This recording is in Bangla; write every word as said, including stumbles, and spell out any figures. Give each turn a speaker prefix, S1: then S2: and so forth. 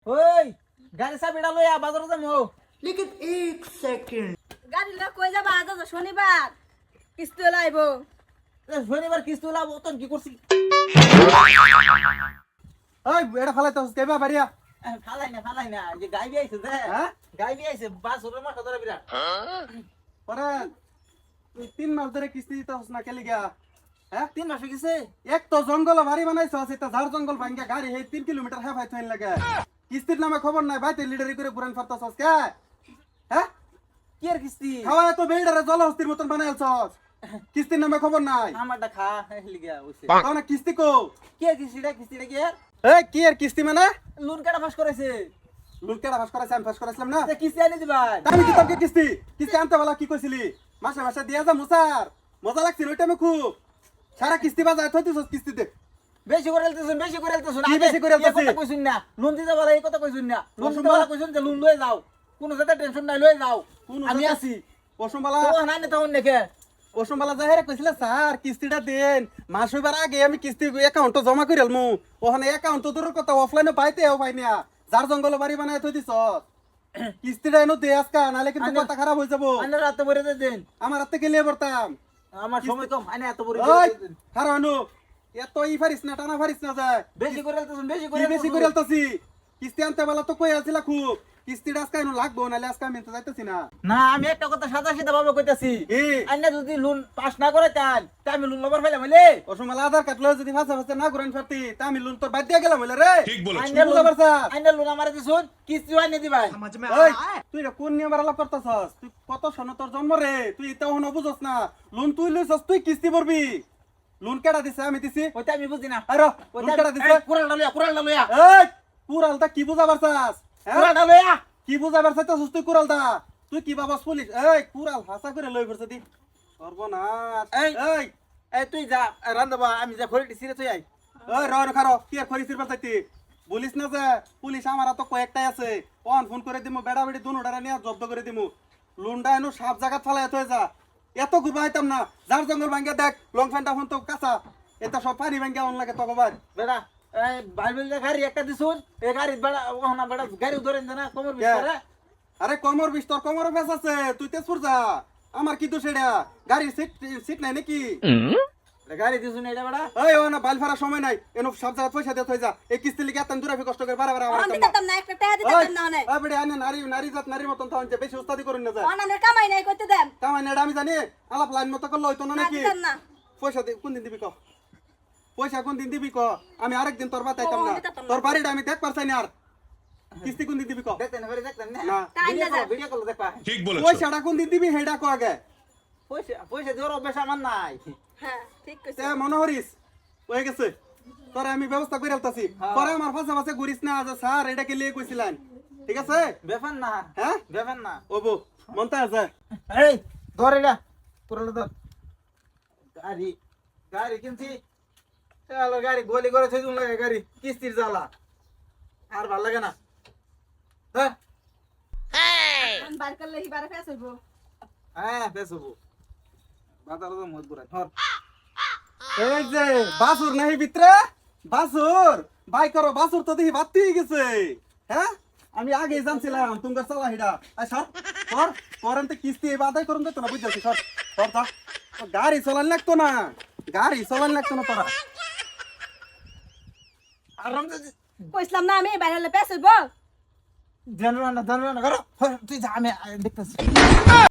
S1: ওই গাড়ি চাবিটা লইয়া বাজারে যাবো।
S2: लेकिन एक सेकंड
S3: গাড়ি লই কই যাবা? আজ তো শনিবার, কিস্তি লাইব।
S1: শনিবার কিস্তি লাভ তোর কি করছি?
S4: ওই এটা ফালাইতে কেবা বাড়িয়া
S1: ফালাই না ফালাই না যে গাই আইছে যে
S4: হ্যাঁ
S1: গাই আইছে বাস ওর মাথা ধরে বিরাট।
S4: পরে তুই তিন মাস ধরে কিস্তি দিতে হস না কেলি গা? হ্যাঁ
S1: তিন মাস হয়ে গেছে।
S4: এক তো জঙ্গল ভারী বানাইছ এটা ঝাড় জঙ্গল ভাঙ্গা গাড়ি হে তিন কিলোমিটার হ্যাঁ ভাই থইন লাগে কিস্তির নামে খবর নাই ভাই তুই লিডারি করে পুরান ফারতাছস কে? হ্যাঁ
S1: কি আর কিস্তি?
S4: খাওয়া তো বেইডারে জলহস্তির মতন বানাইছস কিস্তির নামে খবর নাই।
S1: আমারটা খা লিগা হইছে।
S4: তাও না কিস্তি কো
S1: কি আর কিস্তিটা কিস্তিটা কি আর?
S4: এই কি আর কিস্তি মানে
S1: লোন কাটা ফাঁস করেছে।
S4: লুকেটা ভাস করাইছ আমি ভাস করাইছিলাম না
S1: যে কিস্তি আনি দিবাই।
S4: আমি কি তোকে কিস্তি কিস্তি আনতে বলা কি কইছিলি মাসে মাসে দিয়া যা মুসার মজা লাগছিল ওইটা আমি খুব সারা কিস্তি বাজায় থইতিছস কিস্তিতে
S1: বেশি করে আলতেছুন বেশি করে আলতেছুন।
S4: কি বেশি করে আলতেছি?
S1: এই কথা কইছুন না। লোন দিতে বলা এই কথা কইছুন না। লোন দিতে বলা কইছুন যে লোন লয়ে যাও। কোনো যাতে টেনশন নাই লয়ে যাও।
S4: কোন
S1: আমি আছি।
S4: ওসমবালা
S1: তো না না তখন দেখে
S4: ওসমবালা যাহেরে কইছিলে স্যার কিস্তিটা দেন মাস হইবার আগে আমি কিস্তি অ্যাকাউন্ট জমা কইরাল মু ওখানে অ্যাকাউন্ট দূরের কথা অফলাইনে পাইতেও পাই না যার জঙ্গল বাড়ি বানায় থই দিছস কিস্তিটা এনো দে আজকা নালে কিন্তু
S1: আনে-
S4: কথা খারাপ হই যাব
S1: আনে রাতে ভরে দেন।
S4: আমার হাতে গেলে পড়তাম
S1: আমার সময় কম আনে এত ভরে
S4: ওই
S1: দেন।
S4: খারাপ হনু এত ই ফারিস না টানা ফারিস না যায়
S1: বেশি করে আলতেছুন বেশি
S4: কি
S1: করে
S4: বেশি করে আলতাছি কিস্তি আনতে বেলা তো কই আছিলা খুব কিস্তিটা আজকে এনো লাগবো নালে আজকে আমি তো যাইতাছি না
S1: না আমি একটা কথা সাদা সিধা ভাবে কইতাছি।
S4: কি
S1: আন্না যদি লোন পাস না করে তান তা আমি লোন লবার ফেলাম হইলে
S4: ওসমবালা আধার কার্ড লয়ে যদি ফাঁসা ফাঁসা না করেন ফারতি তা আমি লোন তোর বাদ দিয়া গেলাম হইলে রে
S5: ঠিক বলেছ
S1: আন্না
S4: বুঝা পারছা?
S1: আন্না লোন আমারে দিছুন কিস্তি আনি দিবাই।
S2: समझ में
S4: ওই
S2: आया है
S4: তুই রে কোন নিয়ম আলাপ করতাছস তুই কত সন তোর জন্ম রে তুই এটাও হন বুঝছস না লোন তুই লইছস তুই কিস্তি ভরবি লোন কেডা দিছে আমি দিছি
S1: ওইটা আমি বুঝি না।
S4: আরে লোন কেডা দিছে
S1: কুড়ালটা লইয়া কুড়ালটা লইয়া
S4: এই কুরালটা কি বুঝা পারছাস হ্যাঁ
S1: কুড়ালটা লইয়া
S4: কি বুঝা পারছাস তুই কুরালটা তুই কি বাবাস পুলিশ এই কুরাল হাসা করে লই পড়ছ দি সর্বনাশ
S1: এই।
S4: এই
S1: এই তুই যা রান্দাবা আমি যা খড়ি সিরে তুই আই।
S4: ওই র র খারো কি আর খরি সিরবার চাইতি বলিস না যে পুলিশ আমার তো কয়েকটাই আছে অন ফোন করে দিমু বেড়া বেড়ি দুনোটারে নিয়ে জব্দ করে দিমু লুন্ডা এনু সাপ জায়গা ফালাই হয়ে যা এত ঘুরবা হইতাম না যার জঙ্গল ভাঙ্গা দেখ লং ফ্যানটা ফোন তো কাঁচা এটা সব পানি ভাঙ্গা অন লাগে তকবার
S1: বেড়া এই বাইবেল গাড়ি একটা দিছুন এই গাড়ি বেড়া ওহনা বেড়া গাড়ি ধরেন না কোমর
S4: কে?
S1: ভিতরে
S4: আরে কমর বিষ তোর কমর বেশ আছে তুই তেজপুর যা আমার কি দোষ এটা গাড়ির সিট সিট নাই নাকি
S1: গাড়ি দিছুন এটা বেড়া
S4: ওই ও না বাল ফারা সময় নাই এনু সব জায়গা পয়সা দিয়ে থই যা এই কিস্তি লিগে এত দূরে কষ্ট করে বারে বারে আমার
S3: আমি
S4: কাম
S3: দিতাম না, একটা টাকা দিতাম না অনেক।
S4: ওই বেড়ে আনে নারী নারী জাত নারীর মতন তো আনছে বেশি উস্তাদি করুন না যায়
S3: অনানের কামাই নাই করতে দেন।
S4: কামাই নেড়া আমি জানি আলাপ লাইন মতো করলে হইতো না
S3: না
S4: নাকি
S3: দিতাম না।
S4: পয়সা দি কোন দিন দিবি ক পয়সা কোন দিন দিবি ক আমি আরেকদিন তোর বাতাইতাম
S3: ও,
S4: না
S3: দিতাম না।
S4: তোর বাড়িটা আমি দেখ পারছাই না আর কিস্তি কোন দিন দিবি ক
S1: দেখতেন বেড়ে দেখতেন না
S4: না।
S3: তাই না যা।
S1: ভিডিও কল দেখবা
S5: ঠিক বলেছ
S4: পয়সাটা কোন দিন দিবি হেডা ক আগে
S1: পয়সা পয়সা দেওয়ার অভ্যাস আমার নাই।
S3: হ্যাঁ ঠিক কইছ।
S4: তে মনে হরিস হয়ে গেছে তোরে আমি ব্যবস্থা করে আলতাছি
S1: হ্যাঁ।
S4: পরে আমার ফাঁসা ফাঁসে ঘুরিস না যে স্যার এটাকে লিয়ে কইছিলেন ঠিক আছে
S1: ব্যাপার না
S4: হ্যাঁ
S1: ব্যাপার না।
S4: ওবো মনটা আছে
S1: এই ধর এটা পুরোটা ধর গাড়ি গাড়ি কিনছি চলো গাড়ি গলি করে থই দুন লাগে গাড়ি কিস্তির জ্বালা আর ভাল লাগে না। হ্যাঁ
S3: আমি বার করলে হিবারে ফেস হইব।
S1: হ্যাঁ বেসবো বাজারে তো মত বুড়া ধর
S4: এই যে বাসুর নাই ভিতরে বাসুর বাই করো বাসুর তো দেখি বাতি হয়ে গেছে হ্যাঁ আমি আগে জানছিলাম তোমার চালা হিডা আই সর সর করেন তো কিস্তি এই বাদাই করুন তো না বুঝছি সর সর যা ও গাড়ি চালান লাগতো না গাড়ি চালান লাগতো না তোরা
S1: আরাম
S3: কইছিলাম না আমি বাইরে হলে ফেস হইব।
S1: জানো না জানো না করো তুই যা আমি দেখতেছি।